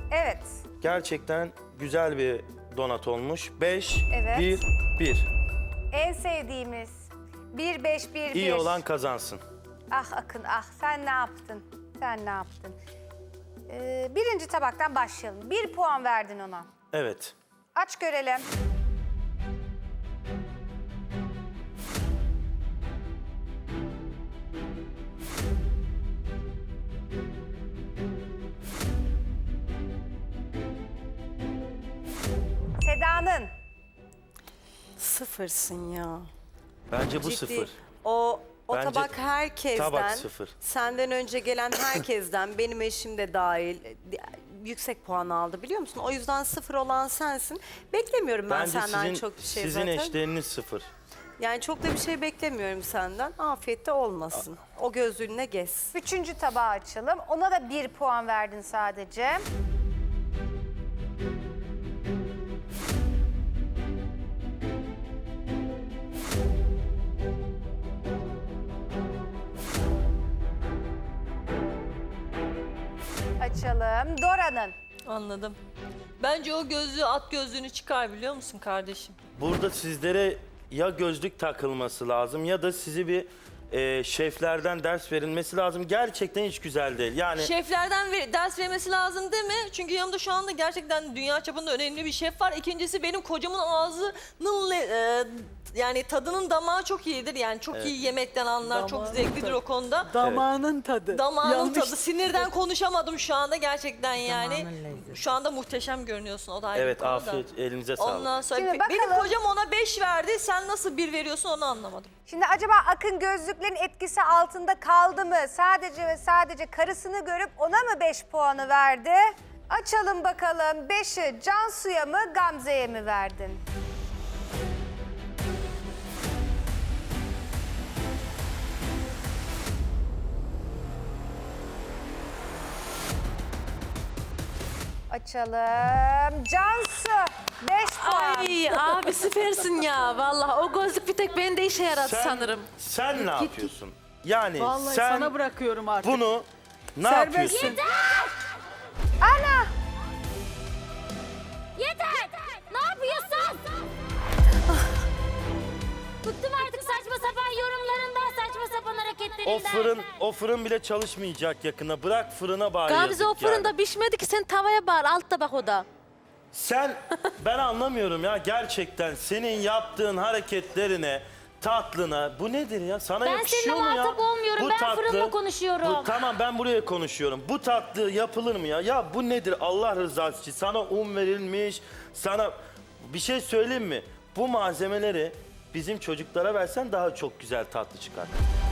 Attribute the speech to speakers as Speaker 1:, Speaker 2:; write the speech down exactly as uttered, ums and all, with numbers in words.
Speaker 1: Evet.
Speaker 2: Gerçekten güzel bir donat olmuş. beş,
Speaker 1: Evet.
Speaker 2: bir, bir.
Speaker 1: En sevdiğimiz. bir beş bir bir.
Speaker 2: İyi olan kazansın.
Speaker 1: Ah Akın ah, sen ne yaptın? Sen ne yaptın? Ee, birinci tabaktan başlayalım. Bir puan verdin ona.
Speaker 2: Evet.
Speaker 1: Aç görelim. Seda'nın.
Speaker 3: Sıfırsın ya.
Speaker 2: Bence bu
Speaker 3: Ciddi.
Speaker 2: sıfır.
Speaker 3: O o
Speaker 2: Bence
Speaker 3: tabak herkesten,
Speaker 2: tabak sıfır.
Speaker 3: senden önce gelen herkesten, benim eşim de dahil yüksek puan aldı biliyor musun? O yüzden sıfır olan sensin. Beklemiyorum ben
Speaker 2: Bence
Speaker 3: senden
Speaker 2: sizin,
Speaker 3: çok bir şey
Speaker 2: sizin
Speaker 3: zaten.
Speaker 2: eşleriniz sıfır.
Speaker 3: Yani çok da bir şey beklemiyorum senden. Afiyette olmasın. O gözlüğüne gez.
Speaker 1: Üçüncü tabağı açalım. Ona da bir puan verdin sadece. Açalım. Dora'nın.
Speaker 4: Anladım. Bence o gözlüğü, at gözlüğünü çıkar biliyor musun kardeşim?
Speaker 2: Burada sizlere ya gözlük takılması lazım ya da sizi bir e, şeflerden ders verilmesi lazım. Gerçekten hiç güzel değil. Yani
Speaker 4: Şeflerden ver- ders vermesi lazım değil mi? Çünkü yanımda şu anda gerçekten dünya çapında önemli bir şef var. İkincisi benim kocamın ağzının le- e, yani tadının damağı çok iyidir. Yani çok iyi yemekten anlar, çok zevklidir o konuda.
Speaker 5: Damağının tadı.
Speaker 4: Damağının
Speaker 5: Yanlış.
Speaker 4: tadı. Sinirden konuşamadım şu anda gerçekten yani. Şu anda muhteşem görünüyorsun o da ayrı bir
Speaker 2: evet
Speaker 4: konu da.
Speaker 2: afiyet elinize sağlık.
Speaker 4: Ondan sonra
Speaker 1: Şimdi
Speaker 4: Be- benim
Speaker 1: bakalım.
Speaker 4: kocam ona beş verdi. Sen nasıl bir veriyorsun onu anlamadım.
Speaker 1: Şimdi acaba Akın gözlüklerin etkisi altında kaldı mı? Sadece ve sadece karısını görüp ona mı beş puanı verdi? Açalım bakalım. beşi Cansu'ya mı Gamze'ye mi verdin? Açalım. Cansu beş puan.
Speaker 6: Ay abi süpersin ya vallahi o gözlük bir tek bende işe yaradı
Speaker 2: Sen-
Speaker 6: sanırım.
Speaker 2: Sen ne yapıyorsun? Yani
Speaker 5: Vallahi
Speaker 2: sen
Speaker 5: sana bırakıyorum artık.
Speaker 2: bunu ne
Speaker 5: Serbestsin.
Speaker 2: yapıyorsun?
Speaker 1: Ana!
Speaker 7: Yeter! Ne yapıyorsun? Bıktım artık saçma sapan yorumlarından, saçma sapan hareketlerinden.
Speaker 2: O fırın, o fırın bile çalışmayacak yakında. Bırak fırına bari
Speaker 6: Gamze
Speaker 2: yazık
Speaker 6: o fırında
Speaker 2: yani.
Speaker 6: pişmedi ki sen tavaya bağır altta bak o da.
Speaker 2: Sen, ben anlamıyorum ya gerçekten senin yaptığın hareketlerine, tatlına, bu nedir ya? Sana
Speaker 7: Ben
Speaker 2: yakışıyor
Speaker 7: seninle
Speaker 2: mu ya?
Speaker 7: muhatap olmuyorum, ben fırınla konuşuyorum.
Speaker 2: Bu, tamam ben buraya konuşuyorum. Bu tatlı yapılır mı ya? Ya bu nedir Allah rızası için? Sana un verilmiş, sana bir şey söyleyeyim mi? Bu malzemeleri bizim çocuklara versen daha çok güzel tatlı çıkar.